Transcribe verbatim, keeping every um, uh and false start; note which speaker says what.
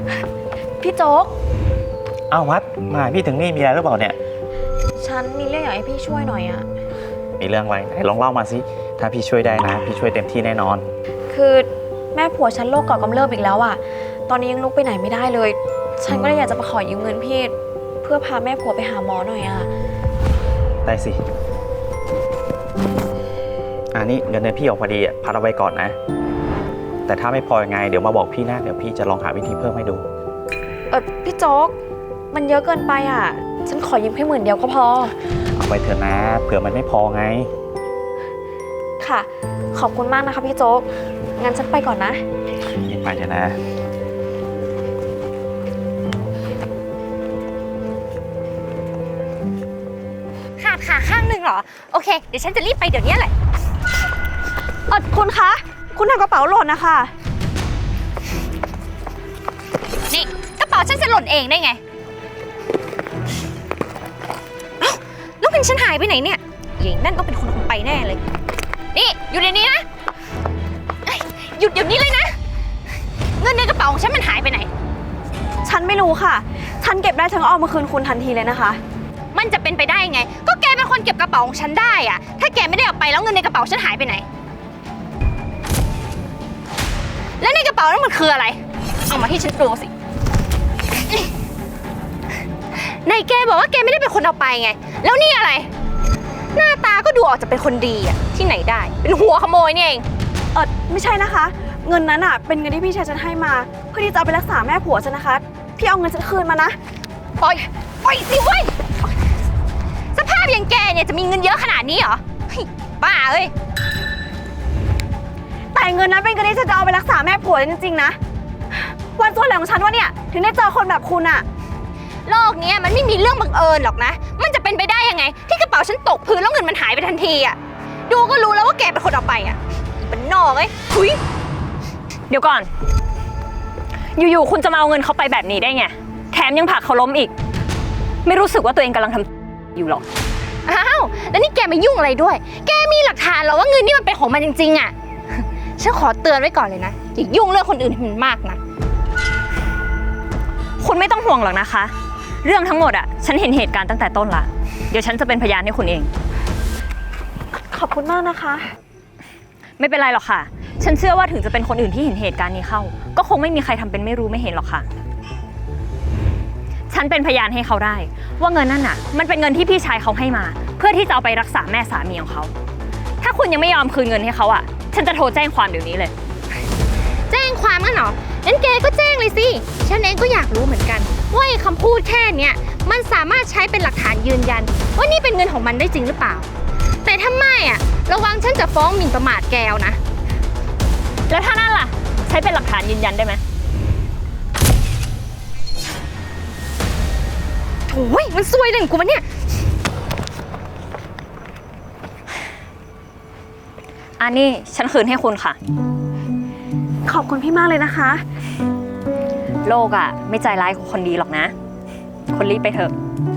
Speaker 1: พี่โจ๊ก
Speaker 2: อ้าววัดมาพี่ถึงนี่มีอะไรหรือเปล่าเนี่ย
Speaker 1: ฉันมีเรื่องอยากให้พี่ช่วยหน่อยอะ
Speaker 2: มีเรื่องอะไรไหนลองเล่ามาสิถ้าพี่ช่วยได้นะพี่ช่วยเต็มที่แน่นอน
Speaker 1: คือแม่ผัวฉันโรคก่อกำเริบอีกแล้วอะตอนนี้ยังลุกไปไหนไม่ได้เลยฉันก็เลยอยากจะมาขอยืมเงินพี่เพื่อพาแม่ผัวไปหาหมอหน่อยอะ
Speaker 2: ได้สิอันนี้เงินเดือนพี่ออกพอดีอ่ะพักเอาไว้ก่อนนะแต่ถ้าไม่พอยังไงเดี๋ยวมาบอกพี่นะเดี๋ยวพี่จะลองหาวิธีเพิ่มให้ดู
Speaker 1: เออพี่โจ๊กมันเยอะเกินไปอ่ะฉันขอยืมแค่หมื่นเดียวก็พอ
Speaker 2: เอาไปเถอะนะเผื่อมันไม่พอไง
Speaker 1: ค่ะขอบคุณมากนะคะพี่โจ๊กงั้นฉันไปก่อนนะ
Speaker 2: นี่ไปเถอะนะ
Speaker 3: ขาดขาข้างหนึ่งเหรอโอเคเดี๋ยวฉันจะรีบไปเดี๋ยวนี้แหละ
Speaker 1: เออคุณคะคุณทำกระเป๋าหล่นนะคะ
Speaker 3: นี่กระเป๋าฉันจะหล่นเองได้ไงเอ้าแล้วเงินฉันหายไปไหนเนี่ยอย่างนั่นต้องเป็นคนคงไปแน่เลยนี่อยู่ในนี้นะหยุดเดี๋ยวนี้เลยนะเงินในกระเป๋าของฉันมันหายไปไหน
Speaker 1: ฉันไม่รู้ค่ะฉันเก็บได้ฉันก็เอามาคืนคุณทันทีเลยนะคะ
Speaker 3: มันจะเป็นไปได้ไงก็แกเป็นคนเก็บกระเป๋าของฉันได้อะถ้าแกไม่ได้เอาไปแล้วเงินในกระเป๋าฉันหายไปไหนแล้วในกระเป๋านั้นมันคืออะไรเอามาที่ฉันดูสิในแกบอกว่าแกไม่ได้เป็นคนเอาไปไงแล้วนี่อะไรหน้าตาก็ดูออกจะเป็นคนดีอะที่ไหนได้เป็นหัวขโมยนี่เอง
Speaker 1: เออไม่ใช่นะคะเงินนั้นอะเป็นเงินที่พี่ชายฉันให้มาเพื่อที่จะเอาไปรักษาแม่ผัวฉันนะคะพี่เอาเงินฉันคืนมานะ
Speaker 3: ปล่อยปล่อยสิเว้ยสภาพอย่างแกเนี่ยจะมีเงินเยอะขนาดนี้เหรอบ้าเอ้ย
Speaker 1: แต่เงินนั้นเป็นเงินที่ฉันจะเอาไปรักษาแม่ผัวจริงๆนะวันส่วนอะไรของฉันวะเนี่ยถึงได้เจอคนแบบคุณอะ
Speaker 3: โลกนี้มันไม่มีเรื่องบังเอิญหรอกนะมันจะเป็นไปได้ยังไงที่กระเป๋าฉันตกพื้นแล้วเงินมันหายไปทันทีอะดูก็รู้แล้วว่าแกเป็นคนเอาไปอะเป็นนอกเอ้ยคุย
Speaker 4: เดี๋ยวก่อนอยู่ๆคุณจะมาเอาเงินเขาไปแบบนี้ได้ไงแถมยังผลักเขาล้มอีกไม่รู้สึกว่าตัวเองกำลังทำอยู่หรอก
Speaker 3: อ้าวแล้วนี่แกมายุ่งอะไรด้วยแกมีหลักฐานเหรอว่าเงินนี่มันเป็นของมันจริงๆอะฉันขอเตือนไว้ก่อนเลยนะอย่ายุ่งเรื่องคนอื่นให้มันมากนะ
Speaker 4: คุณไม่ต้องห่วงหรอกนะคะเรื่องทั้งหมดอ่ะฉันเห็นเหตุการณ์ตั้งแต่ต้นละเดี๋ยวฉันจะเป็นพยานให้คุณเอง
Speaker 1: ขอบคุณมากนะคะ
Speaker 4: ไม่เป็นไรหรอกค่ะฉันเชื่อว่าถึงจะเป็นคนอื่นที่เห็นเหตุการณ์นี้เข้าก็คงไม่มีใครทำเป็นไม่รู้ไม่เห็นหรอกค่ะฉันเป็นพยานให้เขาได้ว่าเงินนั่นน่ะมันเป็นเงินที่พี่ชายเขาให้มาเพื่อที่จะเอาไปรักษาแม่สามีของเขาถ้าคุณยังไม่ยอมคืนเงินให้เขาอ่ะฉันจะโทรแจ้งความเดี๋ยวนี้เลย
Speaker 3: แจ้งความงั้นเหรองั้นแกก็แจ้งเลยสิฉันเองก็อยากรู้เหมือนกันว่าคำพูดแค่นี้มันสามารถใช้เป็นหลักฐานยืนยันว่านี่เป็นเงินของมันได้จริงหรือเปล่าแต่ถ้าไม่อ่ะระวังฉันจะฟ้องหมิ่นประมาทแกวนะ
Speaker 4: แล้วถ้านั่นล่ะใช้เป็นหลักฐานยืนยันได้ไหม
Speaker 3: โอ้ยมันซวยเลยกูมันเนี่ย
Speaker 4: อันนี้ฉันคืนให้คุณค่ะ
Speaker 1: ขอบคุณพี่มากเลยนะคะ
Speaker 4: โลกอ่ะไม่ใจร้ายกับคนดีหรอกนะคนรีบไปเถอะ